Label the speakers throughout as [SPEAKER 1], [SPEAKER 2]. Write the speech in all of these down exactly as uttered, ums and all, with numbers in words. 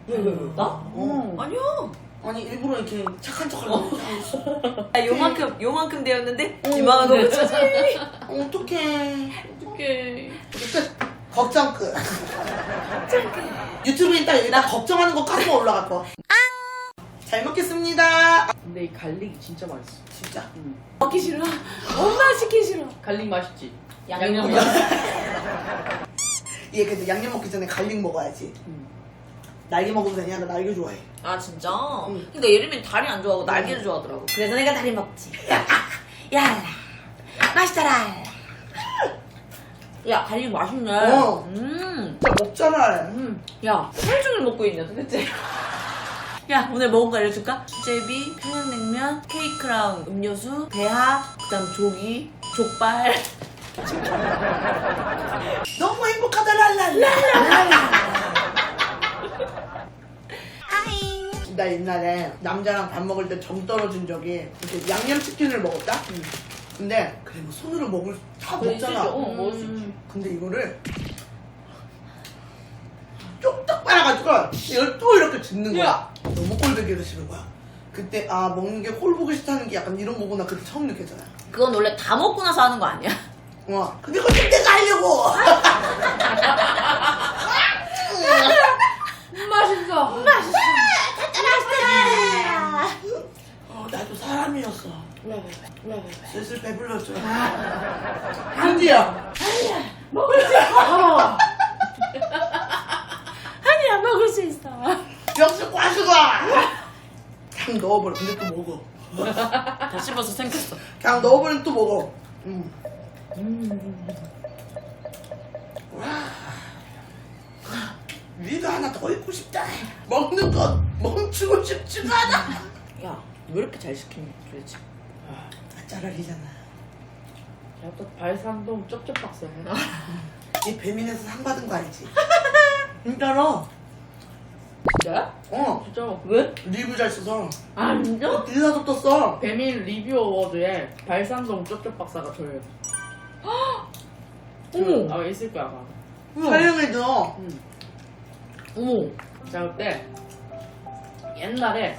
[SPEAKER 1] 왜, 왜, 왜? 나?
[SPEAKER 2] 어.
[SPEAKER 1] 아니야.
[SPEAKER 2] 아니 일부러 이렇게 착한 척하려고 이렇게 하고 있어.
[SPEAKER 1] 아, 요만큼, 요만큼 되었는데,
[SPEAKER 2] 어.
[SPEAKER 1] 이만한 거 붙였지.
[SPEAKER 2] 어떡해.
[SPEAKER 1] 어떡해.
[SPEAKER 2] 끝. 걱정 끝. 유튜브에 딱 여기다 걱정하는 거 까고 올라갈 거. 잘 먹겠습니다.
[SPEAKER 3] 근데 이 갈릭이 진짜 맛있어.
[SPEAKER 2] 진짜.
[SPEAKER 3] 응.
[SPEAKER 1] 먹기 싫어. 엄마 시키 싫어.
[SPEAKER 3] 갈릭 맛있지?
[SPEAKER 1] 양념.
[SPEAKER 2] 얘 근데 양념 먹기 전에 갈릭 먹어야지.
[SPEAKER 3] 응.
[SPEAKER 2] 날개 먹어도 되냐? 나 날개 좋아해.
[SPEAKER 1] 아, 진짜?
[SPEAKER 2] 응.
[SPEAKER 1] 근데 예림이는 다리 안 좋아하고 날개를 좋아하더라고. 그래서 내가 다리 먹지. 야, 맛있더라. 야, 갈릭 맛있네.
[SPEAKER 2] 어.
[SPEAKER 1] 음.
[SPEAKER 2] 진짜 먹잖아.
[SPEAKER 1] 음. 야, 하루 종일 먹고 있냐, 도대체? 야, 오늘 먹은 거 알려줄까? 수제비, 평양냉면, 케이크랑 음료수, 대하, 그 다음 조기, 족발.
[SPEAKER 2] 너무 행복하다 랄랄라. 나 옛날에 남자랑 밥 먹을 때 정 떨어진 적이 이렇게 양념치킨을 먹었다?
[SPEAKER 3] 응.
[SPEAKER 2] 근데 그래 뭐 손으로 먹을 다
[SPEAKER 3] 그래,
[SPEAKER 2] 먹잖아.
[SPEAKER 3] 진짜, 어, 먹을 수 있지.
[SPEAKER 2] 근데 이거를 쪽딱 빨아가지고 이걸 또 이렇게 짓는 거야.
[SPEAKER 3] 야.
[SPEAKER 2] 너무 꼴보기가 싫은 거야. 그때 아 먹는 게 꼴 보기 싫다는 게 약간 이런 거구나 그때 처음 느꼈잖아.
[SPEAKER 1] 그건 원래 다 먹고 나서 하는 거 아니야?
[SPEAKER 2] 와 근데 그걸 좀 내가 하려고.
[SPEAKER 3] 맛있어.
[SPEAKER 1] 맛있어.
[SPEAKER 2] 어, 나도 사람이었어.
[SPEAKER 3] 왜, 왜, 왜, 왜, 왜.
[SPEAKER 2] 슬슬 배불러져. 한디야.
[SPEAKER 1] 먹을 수 있어. 아니야, 먹을 수 있어.
[SPEAKER 2] 역시 과수가. 그냥 넣어버려. 근데 또 먹어.
[SPEAKER 1] 다 씹어서 생겼어.
[SPEAKER 2] 그냥 넣어버리면 또 먹어. 음. 와. 위가 하나 더 있고 싶다. 먹는 것 멈추고 싶지가 않아.
[SPEAKER 1] 야, 왜 이렇게 잘 시키니, 도대체?
[SPEAKER 2] 아, 짜라리잖아.
[SPEAKER 3] 야, 또 발산동 쩝쩝박사 해.
[SPEAKER 2] 이 배민에서 상 받은 거 알지? 진짜로.
[SPEAKER 3] 진짜야?
[SPEAKER 2] 어.
[SPEAKER 3] 진짜.
[SPEAKER 1] 왜?
[SPEAKER 2] 리뷰 잘 써서.
[SPEAKER 3] 아, 진짜?
[SPEAKER 2] 기사도 떴어.
[SPEAKER 3] 배민 리뷰 어워드에 발산동 쩝쩝박사가 줘요.
[SPEAKER 1] 어머.
[SPEAKER 3] 아, 있을 거야, 아마.
[SPEAKER 2] 촬영해줘.
[SPEAKER 3] 응.
[SPEAKER 1] 어머.
[SPEAKER 3] 자, 그때 옛날에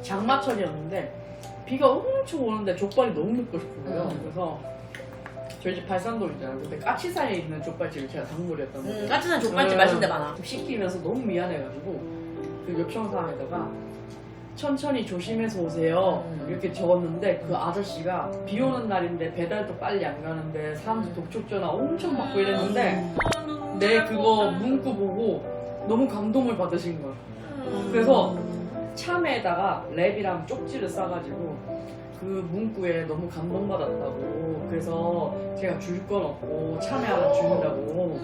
[SPEAKER 3] 장마철이었는데 비가 엄청 오는데 족발이 너무 먹고 싶은 거예요.
[SPEAKER 1] 음.
[SPEAKER 3] 그래서 저희 집 발산동 있잖아요. 근데 까치사이에 있는 족발집을 제가 단골이었던 거예요.
[SPEAKER 1] 음, 까치산 족발집
[SPEAKER 3] 음.
[SPEAKER 1] 맛있는 데 많아.
[SPEAKER 3] 시키면서 너무 미안해가지고 그 요청사항에다가 천천히 조심해서 오세요
[SPEAKER 1] 음.
[SPEAKER 3] 이렇게 적었는데 그 아저씨가 비 오는 날인데 배달도 빨리 안 가는데 사람들 독촉 전화 엄청 받고 이랬는데 내 그거 문구 보고 너무 감동을 받으신 거야. 그래서 참외에다가 랩이랑 쪽지를 싸가지고 그 문구에 너무 감동받았다고 그래서 제가 줄 건 없고 참외 하나 준다고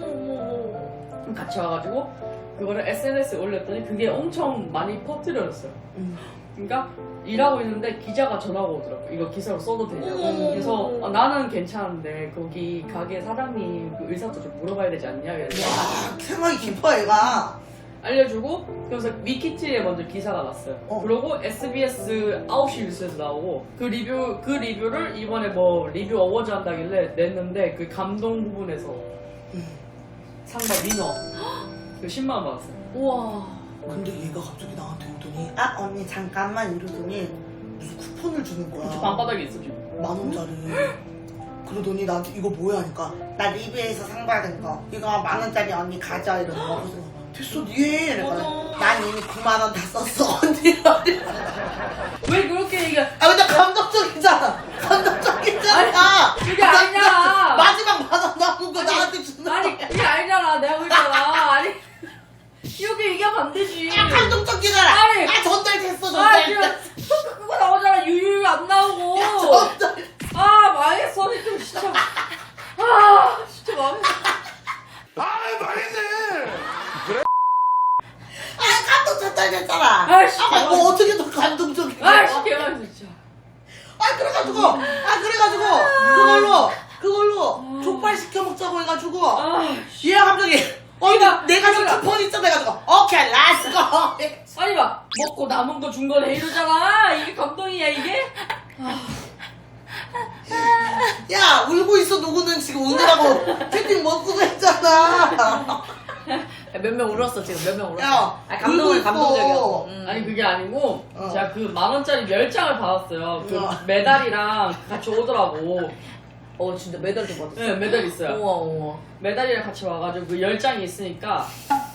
[SPEAKER 3] 같이 와가지고 그거를 에스엔에스에 올렸더니 그게 엄청 많이 퍼뜨려졌어요.
[SPEAKER 2] 음.
[SPEAKER 3] 그러니까 일하고 있는데 기자가 전화가 오더라고. 이거 기사로 써도 되냐고. 그래서 아, 나는 괜찮은데 거기 가게 사장님 그 의사도 좀 물어봐야 되지 않냐. 그래서
[SPEAKER 2] 와, 생각이 깊어, 얘가.
[SPEAKER 3] 알려주고 그래서 위키트에 먼저 기사가 났어요.
[SPEAKER 2] 어.
[SPEAKER 3] 그리고 에스비에스 아홉 시 뉴스에서 나오고 그 리뷰 그 리뷰를 이번에 뭐 리뷰 어워즈 한다길래 냈는데 그 감동 부분에서
[SPEAKER 2] 음.
[SPEAKER 3] 상가 위너 그 십만 원 받았어요.
[SPEAKER 1] 우와.
[SPEAKER 2] 근데 얘가 갑자기 나한테 오더니, 아, 언니, 잠깐만 이러더니, 무슨 쿠폰을 주는 거야.
[SPEAKER 3] 저 방바닥에 있어 지금.
[SPEAKER 2] 만 원짜리. 그러더니 나한테 이거 뭐야 하니까 나 리뷰에서 상 받은 거 이거 만 원짜리 언니 가져 이러는 거. 그래서 됐어 니해 이랬거든. 난 이미 구만 원 다 썼어 언니.
[SPEAKER 3] 왜 그렇게 얘기해?
[SPEAKER 2] 아 근데 감동적이잖아. 감동적이잖아.
[SPEAKER 3] 그게 아니잖아.
[SPEAKER 2] 마지막 만 원 남은 거 나한테 주는
[SPEAKER 3] 아니
[SPEAKER 2] 거야.
[SPEAKER 3] 그게 아니잖아. 내가 그랬잖아. 아니 이렇게 얘기하면 안 되지.
[SPEAKER 2] 야 감동적이잖아.
[SPEAKER 3] 아니.
[SPEAKER 2] 아 전달됐어
[SPEAKER 3] 아
[SPEAKER 2] 전달.
[SPEAKER 3] 지금 그거 나오잖아. 유유 안 나오고.
[SPEAKER 2] 야 전달.
[SPEAKER 3] 아 망했어 지금 진짜. 아 진짜 망했어.
[SPEAKER 4] 아 망했네.
[SPEAKER 2] 아 감동 전달됐잖아.
[SPEAKER 3] 아이씨,
[SPEAKER 2] 아, 뭐 어떻게 더 감동적이야.
[SPEAKER 3] 아씨 개망했어 진짜.
[SPEAKER 2] 아 그래가지고 아 그래가지고 그걸로 그걸로 족발 시켜 먹자고 해가지고
[SPEAKER 3] 아,
[SPEAKER 2] 얘가 갑자기 어
[SPEAKER 3] 그러니까,
[SPEAKER 2] 내가 좀
[SPEAKER 3] 그러니까.
[SPEAKER 2] 쿠폰 있어 해가지고 오케이 렛츠고.
[SPEAKER 3] 아니 막 먹고 남은 거 준 거네 이러잖아. 이게 감동이야 이게?
[SPEAKER 2] 야 울고 있어 누구는 지금 우느라고 채팅 못 쓰고 했잖아.
[SPEAKER 1] 몇 명 울었어 지금 몇 명 울었어.
[SPEAKER 2] 야,
[SPEAKER 1] 아 감동
[SPEAKER 2] 울고
[SPEAKER 1] 감동적이었어.
[SPEAKER 2] 있어.
[SPEAKER 1] 음.
[SPEAKER 3] 아니 그게 아니고
[SPEAKER 2] 어.
[SPEAKER 3] 제가 그 만 원짜리 열 장을 받았어요. 그
[SPEAKER 2] 우와.
[SPEAKER 3] 메달이랑 같이 오더라고.
[SPEAKER 1] 어 진짜 메달도 받았어.
[SPEAKER 3] 네, 메달 있어요.
[SPEAKER 1] 우와 우와.
[SPEAKER 3] 메달이랑 같이 와가지고 그 열 장이 있으니까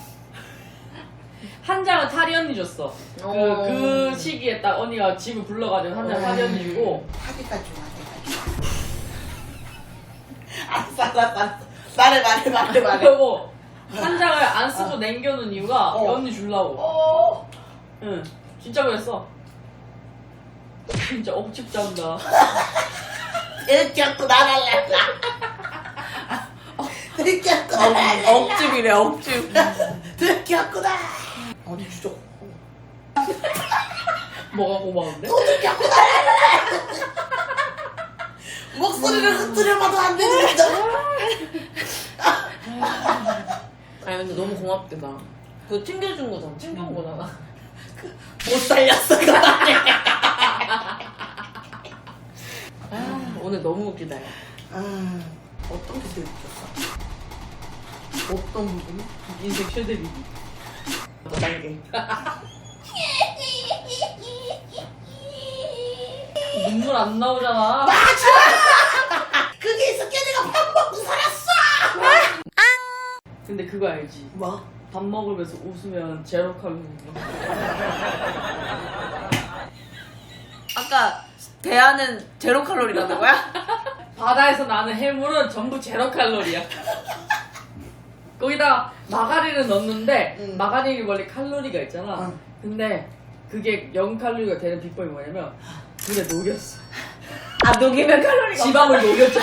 [SPEAKER 3] 한 장은 타리 언니 줬어. 그,
[SPEAKER 1] 어.
[SPEAKER 3] 그 시기에 딱 언니가 집을 불러가지고 한 장 타리 언니 주고.
[SPEAKER 2] 타기까지 좋아, 내가. 알았어, 알았어, 알았어. 말해, 말해, 말해, 말해.
[SPEAKER 3] 그리고 한 장을 안 쓰고 남겨놓은 이유가
[SPEAKER 2] 어.
[SPEAKER 3] 언니 주려고.
[SPEAKER 2] 어.
[SPEAKER 3] 응, 진짜 그랬어. 진짜 억집 잔다.
[SPEAKER 2] 이렇게 갖고 나갈래. 이렇게 갖고 나갈래.
[SPEAKER 1] 억집이래 억집.
[SPEAKER 2] 이렇게 갖고 나. 어디 주죠?
[SPEAKER 3] 뭐가 고마운데?
[SPEAKER 2] 또 이렇게 갖고 나갈래. 목소리를 흐트려봐도 안 되지, 진짜.
[SPEAKER 1] 아니 근데 너무 고맙겠다. 그거 챙겨준 거잖아. 챙겨온 거잖아.
[SPEAKER 2] 못 살렸어, 그거.
[SPEAKER 1] 아, 오늘 너무 웃기다. 야.
[SPEAKER 2] 아, 어떤 게 제일 웃겼어? 어떤 부분이?
[SPEAKER 3] 인생 최대 위기.
[SPEAKER 2] 날개.
[SPEAKER 3] 눈물 안 나오잖아.
[SPEAKER 2] 그게 있었기에 내가 밥 먹고 살았어!
[SPEAKER 3] 근데 그거 알지?
[SPEAKER 2] 뭐?
[SPEAKER 3] 밥 먹으면서 웃으면 제로 칼로리.
[SPEAKER 1] 아까 대하는 제로 칼로리라는 거야?
[SPEAKER 3] 바다에서 나는 해물은 전부 제로 칼로리야. 거기다 마가린을 넣는데
[SPEAKER 2] 응.
[SPEAKER 3] 마가린이 원래 칼로리가 있잖아.
[SPEAKER 2] 응.
[SPEAKER 3] 근데 그게 영 칼로리가 되는 비법이 뭐냐면 물에 녹였어.
[SPEAKER 1] 아 녹이면 칼로리가.
[SPEAKER 3] 지방을 녹였잖아.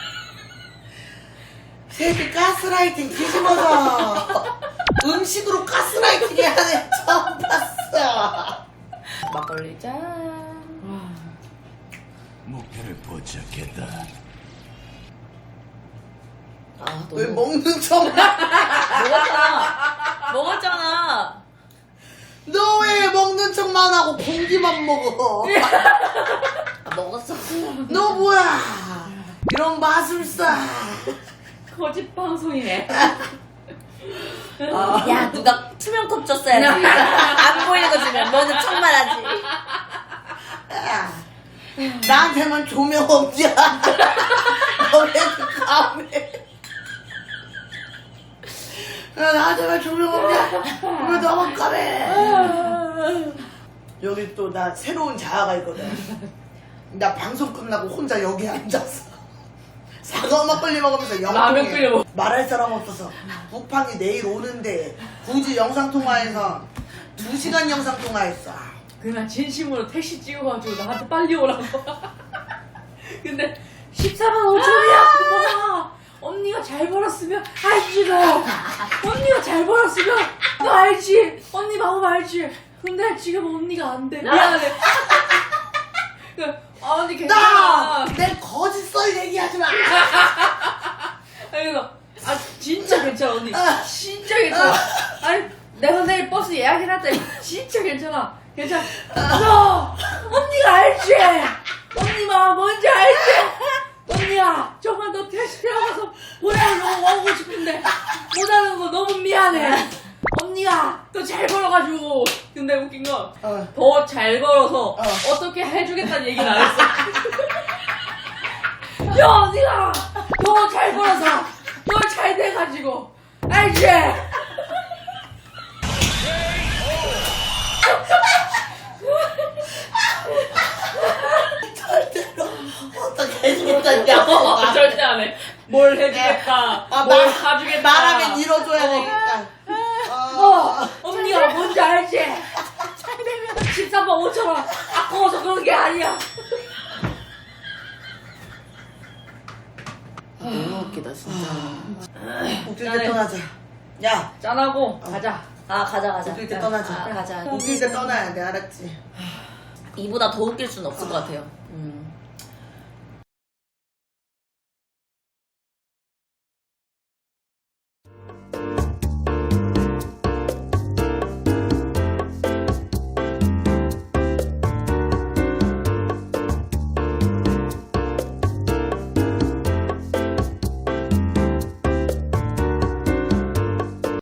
[SPEAKER 2] 새끼 가스라이팅 뒤집어서 음식으로 가스라이팅 하는 처음 봤어.
[SPEAKER 1] 막걸리 짠.
[SPEAKER 4] 목표를 포착했다.
[SPEAKER 1] 아
[SPEAKER 2] 왜
[SPEAKER 1] 너무
[SPEAKER 2] 먹는 척?
[SPEAKER 1] 먹었잖아. 먹었잖아.
[SPEAKER 2] 너 왜 먹는 척만 하고 공기만 먹어?
[SPEAKER 1] 아, 먹었어.
[SPEAKER 2] 너 뭐야? 이런 마술사.
[SPEAKER 3] 거짓 방송이네.
[SPEAKER 1] 야 누가 투명컵 줬어야지. 안 보이는 거 주면 너는 천만하지.
[SPEAKER 2] 야, 나한테만 조명 없냐? 너왜 까매? 야, 나한테만 조명 없냐? 왜 너만 까매? 여기 또 나 새로운 자아가 있거든. 나 방송 끝나고 혼자 여기 앉았어. 사과 막걸리 먹으면서
[SPEAKER 3] 라면
[SPEAKER 2] 영통해.
[SPEAKER 3] 끓여 먹-
[SPEAKER 2] 말할 사람 없어서 북팡이 내일 오는데 굳이 영상통화해서 두 시간 영상통화했어.
[SPEAKER 3] 그날 진심으로 택시 찍어가지고 나한테 빨리 오라고. 근데 십사만 오천이야. 언니가 잘 벌었으면 알지 너. 언니가 잘 벌었으면 너 알지. 언니 마음 알지. 근데 지금 언니가 안 돼. 미안해. 그, 아 언니 괜찮아.
[SPEAKER 2] 나! 내 거짓말 얘기하지 마!
[SPEAKER 3] 그래서 아 진짜 괜찮아 언니. 진짜 괜찮아. 아니 내가 내일 버스 예약해놨다. 진짜 괜찮아. 괜찮아. 너 언니가 알지. 언니 마음 뭔지 알지. 언니야 정말 너 택시 태워가서 보내러 너무 오고 싶은데 못하는 거 너무 미안해. 언니가 또 잘 벌어가지고. 근데 웃긴 건
[SPEAKER 2] 어.
[SPEAKER 3] 더 잘 벌어서
[SPEAKER 2] 어.
[SPEAKER 3] 어. 떻게 해주겠다는 얘기는 안 했어. 야 언니가 더 잘 벌어서 더 잘 돼가지고 알지?
[SPEAKER 2] 절대로 어떻게 해주겠다냐고.
[SPEAKER 3] 어, 절대 안 해. 뭘 해주겠다.
[SPEAKER 2] 아,
[SPEAKER 3] 뭘
[SPEAKER 2] 말-
[SPEAKER 3] 사주겠다.
[SPEAKER 2] 말하면 이뤄줘야 되니까.
[SPEAKER 3] 어, 언니가 뭔지 알지? 잘 되면 십삼만 오천 원 아까워서 그런 게 아니야.
[SPEAKER 1] 너무 웃기다 진짜.
[SPEAKER 2] 웃길 때 떠나자. 야,
[SPEAKER 3] 짠하고 가자.
[SPEAKER 1] 아 가자 가자.
[SPEAKER 2] 웃길 때 떠나자.
[SPEAKER 1] 아, 가자.
[SPEAKER 2] 웃길 때 떠나야 돼, 알았지?
[SPEAKER 1] 이보다 더 웃길 수는 없을 것 같아요. 음.